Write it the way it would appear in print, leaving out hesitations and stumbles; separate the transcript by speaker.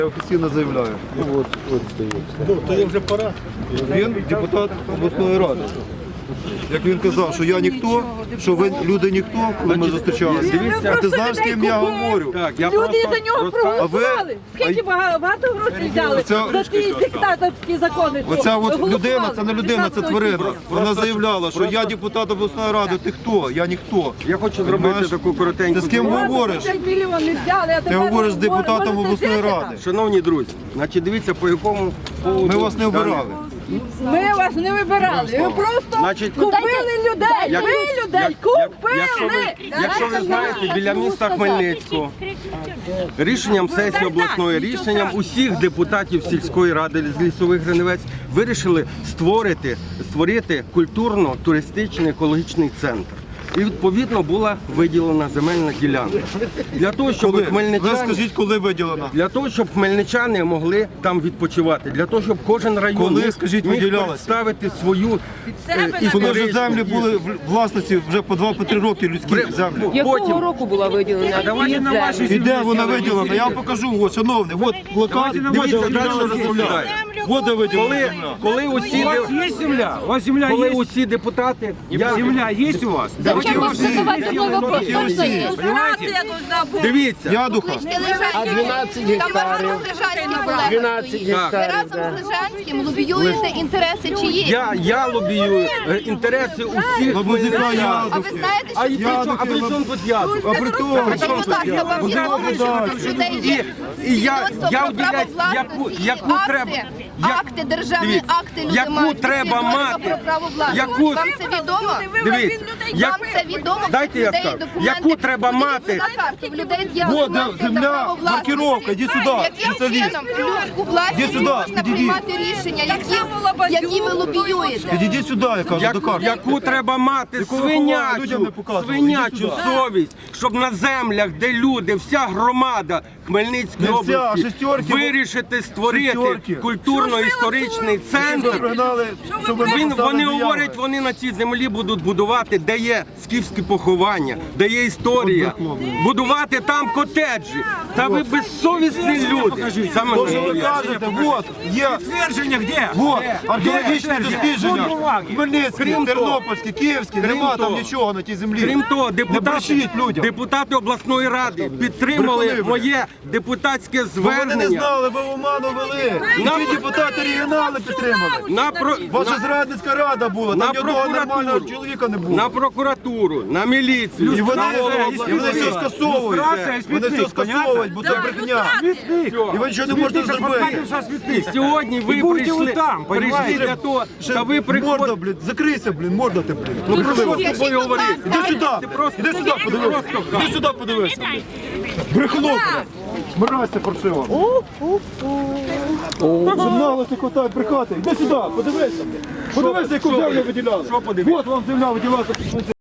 Speaker 1: Я офіційно заявляю.
Speaker 2: От стоїть.
Speaker 3: Ну, то є вже пора.
Speaker 1: Він депутат обласної ради. Як він казав, що я ніхто, що ви люди ніхто, коли ми зустрічалися. А ти знаєш, з ким я говорю?
Speaker 4: Люди за нього проголосували. Скільки багато грошей взяли за ті диктаторські закони.
Speaker 1: Оця от людина, це не людина, це тварина. Вона заявляла, що я депутат обласної ради. Ти хто? Я ніхто.
Speaker 2: Я хочу зробити таку коротеньку.
Speaker 1: Ти з ким говориш? Ти говориш з депутатом обласної ради.
Speaker 2: Шановні друзі, значить дивіться, по якому поводу...
Speaker 1: Ми вас не обирали.
Speaker 4: Ми вас не вибирали. Ви просто купили людей. Ви людей купили.
Speaker 2: Якщо ви знаєте, біля міста Хмельницького рішенням сесії обласної, рішенням усіх депутатів сільської ради з Лісових Гриневець вирішили створити культурно-туристичний екологічний центр. І відповідно була виділена земельна ділянка. Для того, щоб
Speaker 1: Ви скажіть, коли виділена?
Speaker 2: Для того, щоб хмельничани могли там відпочивати, для того, щоб кожен район
Speaker 1: Коли, скажіть,
Speaker 2: міг
Speaker 1: виділялася?
Speaker 2: представити свою
Speaker 1: Коли вже землі були в власності вже по 2-3 роки людські землі.
Speaker 4: Якого року була виділена?
Speaker 1: І де вона виділена? Я вам покажу, ось, шановний, от плакат, дивіться, далі розмовляю. От де виділена земля.
Speaker 2: Коли усі
Speaker 3: Є земля? У вас земля
Speaker 2: коли
Speaker 3: є?
Speaker 2: усі депутати,
Speaker 3: Земля є у вас?
Speaker 4: Зачем вам задавати новий вопрос?
Speaker 1: всі.
Speaker 2: дивіться,
Speaker 1: Ядуха.
Speaker 5: А 12 гектарів. 12 Ви гектарів. разом з Лежанським лобіюєте інтереси чиї?
Speaker 2: я лобію інтереси усіх
Speaker 1: Лабузика
Speaker 2: хмельничан.
Speaker 5: А ви знаєте,
Speaker 2: А
Speaker 5: що
Speaker 2: і при чому- а при чому тут я?
Speaker 1: А при тому,
Speaker 5: Скажіть, будь ласка, вам
Speaker 1: Будь
Speaker 5: відомо, що
Speaker 1: ласка,
Speaker 5: в людей є
Speaker 2: І я
Speaker 5: свідоцтво про
Speaker 2: уділяю,
Speaker 5: право
Speaker 2: яку
Speaker 5: власності,
Speaker 2: треба,
Speaker 5: акти, державні
Speaker 2: дивіться,
Speaker 5: акти люди
Speaker 2: яку
Speaker 5: мають,
Speaker 2: треба
Speaker 5: свідоцтво
Speaker 2: мати,
Speaker 5: про право власності.
Speaker 2: яку-
Speaker 5: Вам це відомо?
Speaker 2: дивіться,
Speaker 5: Вам це відомо?
Speaker 2: Дайте я
Speaker 5: Людей
Speaker 2: скажу.
Speaker 5: документи.
Speaker 2: Яку треба мати?
Speaker 5: На карті в людей є
Speaker 1: Вот,
Speaker 5: документи
Speaker 1: де земля,
Speaker 5: на право власності.
Speaker 1: маркировка, іди сюди,
Speaker 5: Яким
Speaker 1: спеціаліст.
Speaker 5: чином людську власність
Speaker 1: Іди сюди,
Speaker 5: можна
Speaker 1: підійди.
Speaker 5: приймати рішення, які ви лобіюєте?
Speaker 1: Підійдіть сюди, я кажу, до карти.
Speaker 2: Яку треба мати
Speaker 1: Якого ховаю, людям не показували. Ідіть
Speaker 2: свинячу
Speaker 1: сюди.
Speaker 2: совість, щоб на землях, де люди, вся громада Хмельницької
Speaker 1: Не вся,
Speaker 2: області
Speaker 1: шестерки,
Speaker 2: вирішити створити
Speaker 1: шестерки.
Speaker 2: культурно-історичний
Speaker 1: Ви
Speaker 2: центр.
Speaker 1: пригнали, щоб ви написали
Speaker 2: Вони
Speaker 1: заяви.
Speaker 2: говорять, вони на цій землі будуть будувати, де є скіфські поховання, де є історія. Будувати там котеджі. Та ви безсовісні люди. Саме
Speaker 1: То, що ви
Speaker 2: головне.
Speaker 1: кажете, от, є,
Speaker 3: Твердження де?
Speaker 1: от, археологічні
Speaker 3: Будь
Speaker 1: дослідження.
Speaker 3: бумаги.
Speaker 1: Хмельницький,
Speaker 2: Крім того-
Speaker 1: Тернопільський, Київський, нема там
Speaker 2: того-
Speaker 1: нічого на тій землі.
Speaker 2: Крім того,
Speaker 1: Не брешіть людям.
Speaker 2: депутати обласної ради підтримали
Speaker 1: Брехуни ви.
Speaker 2: моє депутатське
Speaker 1: Бо вони не
Speaker 2: звернення.
Speaker 1: знали, ви в оману вели. І
Speaker 2: На-
Speaker 1: ті депутати регіонали підтримали. Ваша зрадницька рада була,
Speaker 2: на
Speaker 1: там ні одного
Speaker 2: прокуратуру.
Speaker 1: нормального чоловіка не було.
Speaker 2: на прокуратуру, на міліцію.
Speaker 1: І вони,
Speaker 2: на голову
Speaker 1: і вони
Speaker 2: обласної
Speaker 1: все
Speaker 2: ради.
Speaker 1: скасовують.
Speaker 3: Люстрація і
Speaker 1: Вони все
Speaker 3: смітник,
Speaker 1: скасовують, бо це брехня. І ви нічого не можете зробити.
Speaker 2: І сьогодні ви
Speaker 3: І будете
Speaker 2: прийшли,
Speaker 3: ви там,
Speaker 2: прийшли
Speaker 3: понімаєте?
Speaker 2: для того,
Speaker 1: Ще
Speaker 2: та ви
Speaker 1: морда,
Speaker 2: приходите.
Speaker 1: блін, закрийся, блін, морда ти, блін.
Speaker 2: Ну про що
Speaker 1: Брехливо.
Speaker 2: з тобою говорити?
Speaker 1: Іди сюди,
Speaker 2: просто-
Speaker 1: іди сюди, подивися. Іди сюди, подивися. Брехло, блін. Мразь паршива. Журналисти хватають брехати. Іди сюди, подивися. Подивися, яку землю виділяли.
Speaker 2: Що подивитися?
Speaker 1: От вам земля виділялася.